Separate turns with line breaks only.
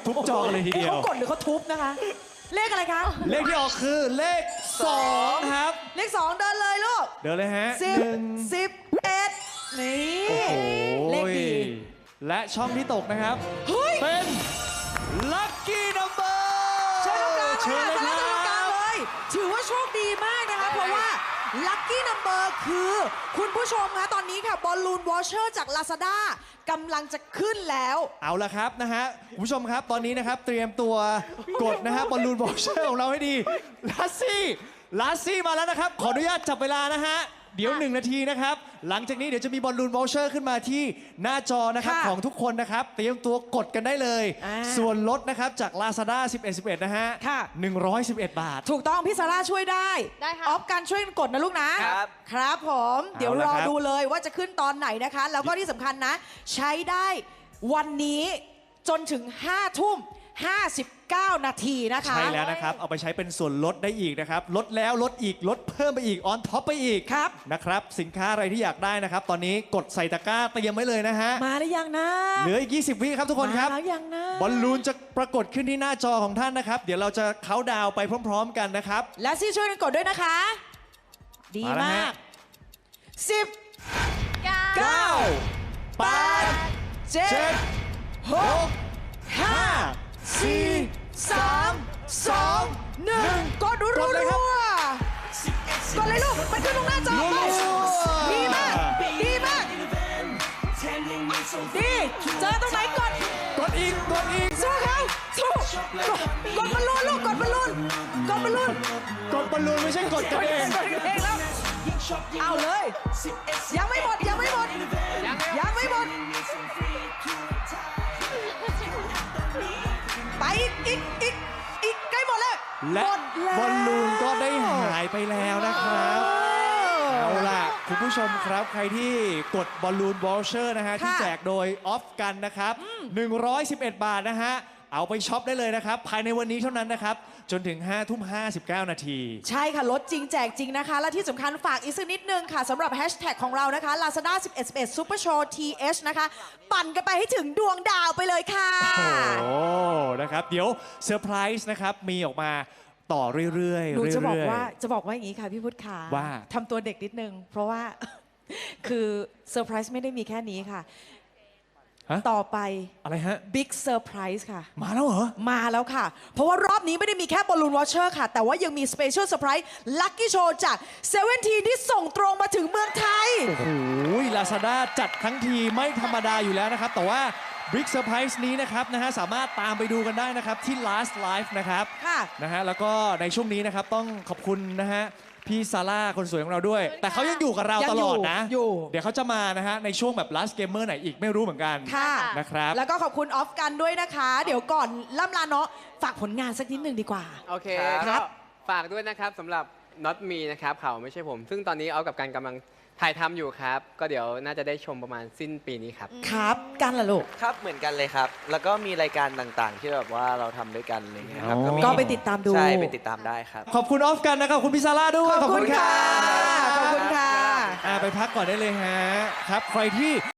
ทุบจอกันเลยทีเดียว
เขากดหรือเขาทุบนะคะ เลขอะไรคะ
เลขที่ออกคือเลข2ครับ
เลข 2 เดินเลยลูก
เดี๋ยวเลยฮะ
11 นี่
โอ้โห
เลขดี
และช่องที่ตกนะครับ
เฮ้ย
เป็น Lucky Number
เชิญตรงกลาง
เชิญ
เลย
เลย
ค่ะ
ค
เชิญตรงกลา
รั
ง
บ
เลย ถือว่าโชคดีมากนะคะ เพราะว่า Lucky Number คือคุณผู้ชมคะตอนนี้ค่ะบอลลูนวอชเชอร์จาก Lazada กำลังจะขึ้นแล้ว
เอาละครับนะฮะคุณผู้ชมครับตอนนี้นะครับเตรียมตัวกดนะฮะบอลลูนบอลเชอร์ของเราให้ดีลาซี่มาแล้วนะครับ ขออนุญาตจับเวลานะฮะเดี๋ยว 1 นาทีนะครับ หลังจากนี้เดี๋ยวจะมีบอลลูนวอลเชอร์ขึ้นมาที่หน้าจอนะครับ
ค่ะ
ของทุกคนนะครับ เตรียมตัวกดกันได้เลย
อ่า
ส่วนลดนะครับจาก Lazada 11นะฮะ
ค่ะ
111 บาท
ถูกต้องพี่ซาร่าช่วยได้
ได้ค่ะ
ออฟการช่วยกดนะลูกนะครับ ครับผมเดี๋ยว
เอา
ร
ละ
อ
ครับ
ดูเลยว่าจะขึ้นตอนไหนนะคะ แล้วก็ที่สำคัญนะ ใช้ได้วันนี้จนถึง 5 ทุ่ม 59 นาทีนะคะ
ใช่แล้วนะครับ เอาไปใช้เป็นส่วนลดได้อีกนะครับ ลดแล้วลดอีกลดเพิ่มไปอีกออนท็อปไปอีก
ครับ
นะครับ สินค้าอะไรที่อยากได้นะครับ ตอนนี้กดใส่ตะกร้าเตรียมไว้เลยนะฮะ
มาหรือยังนะ
เหลืออีก 20 วิครับทุกคนครับ
มาแล้วยังนะ
บอลลูนจะปรากฏขึ้นที่หน้าจอของท่านนะครับ เดี๋ยวเราจะเค้าน์ดาวน์ไปพร้อม ๆ กันนะครับ
และซี่ช่วยกันกดด้วยนะคะ ดี
มาแล้ว
มา
ฮะ
ก 10
9
9 8
7
7 6 5
4 3 2 1 กดรั
กดเลยครับ
วๆกดเลยลูก มันขึ้นตรงหน้าจอ
รัวๆ
ดีมาก ดีมาก ดี เจอตรงไหนกด
กดอีกกดอีก
สู้เขาสู้กดบอลลูนลูก กดบอลลูน กดบอลลูน
กดบอลลูนไม่ใช่กดกันเอง
กดเองแล้ว เอาเลย ยังไม่หมด ยังไม่หมด ยังไม่หมด ไปอีกใกล้หมดแล้ว
และ
หมดแล้ว
บอลลูนก็ได้หายไปแล้วนะครับ เอาล่ะ คุณผู้ชมครับ ใครที่กดบอลลูนวอลเชอร์นะฮะ ที่แจกโดยออฟกันนะครับ 111 บาทนะฮะ เอาไปช็อปได้เลยนะครับ ภายในวันนี้เท่านั้นนะครับ จนถึง 5 ทุ่ม 59 นาที
ใช่ค่ะ ลดจริงแจกจริงนะคะ และที่สำคัญฝากอีกสักนิดนึงค่ะสำหรับแฮชแท็กของเรานะคะ Lazada 11 Super Show TH นะคะ ปั่นกันไปให้ถึงดวงดาวไปเลยค่ะ
โอ้โหนะครับ เดี๋ยวเซอร์ไพรส์นะครับ มีออกมาต่อเรื่อยๆ
หนูจะบอก
เรื่ยๆ
ว่าอย่างนี้ค่ะพี่พุทธขา
ว่า
ทำตัวเด็กนิดนึง เพราะว่า คือเซอร์ไพรส์ไม่ได้มีแค่นี้ค่ะ
ฮะ
ต่อไป
อะไรฮะ
บิ๊กเซอร์ไพรส์ค่ะ
มาแล้วเหรอ
มาแล้วค่ะ เพราะว่ารอบนี้ไม่ได้มีแค่บอลลูนวอชเชอร์ค่ะ แต่ว่ายังมีสเปเชียลเซอร์ไพรส์ลัคกี้โชว์จากเซเว่นทีที่ส่งตรงมาถึงเมืองไทย
โอ้โห Lazada จัดทั้งทีไม่ธรรมดาอยู่แล้วนะครับ แต่ว่า Big Surprise นี้นะครับสามารถตามไปดูกันได้นะครับ ที่ Last Live นะครับ
ค่ะ
นะฮะแล้วก็ในช่วงนี้นะครับ ต้องขอบคุณนะฮะพี่ซาร่าคนสวยของเราด้วย แต่เขายังอยู่กับเรา
ยัง
ต
อยู่
ลอดนะ
อยู่
เดี๋ยวเขาจะมานะฮะในช่วงแบบ Last Gamer ไหนอีกไม่รู้เหมือนกัน
ค่ะ
นะครับ
แล้วก็ขอบคุณออฟกันด้วยนะคะ เดี๋ยวก่อนล่ำลาเนาะฝากผลงานสักนิดหนึ่งดีกว่า
โอเค
ครั
ก็
บ
ฝากด้วยนะครับสำหรับ Not Me นะครับเขาไม่ใช่ผม ซึ่งตอนนี้เอากับการกำลังถ่ายทำอยู่ครับ ก็เดี๋ยวน่าจะได้ชมประมาณสิ้นปีนี้ครับ
ครับ กันล่ะลูก
ครับเหมือนกันเลยครับ แล้วก็มีรายการต่างๆ ที่แบบว่าเราทำด้วยกันอะไรเงี้ยครับ
อ๋อ
มี
ก็ไปติดตามดู
ใช่ไปติดตามได้ครับ
ขอบคุณออฟกันนะครับขอบคุณพี่ซาร่าด้วย
ขอบคุณค่ะ ขอบคุณค่ะ
ไปพักก่อนได้เลยฮะครับใครที่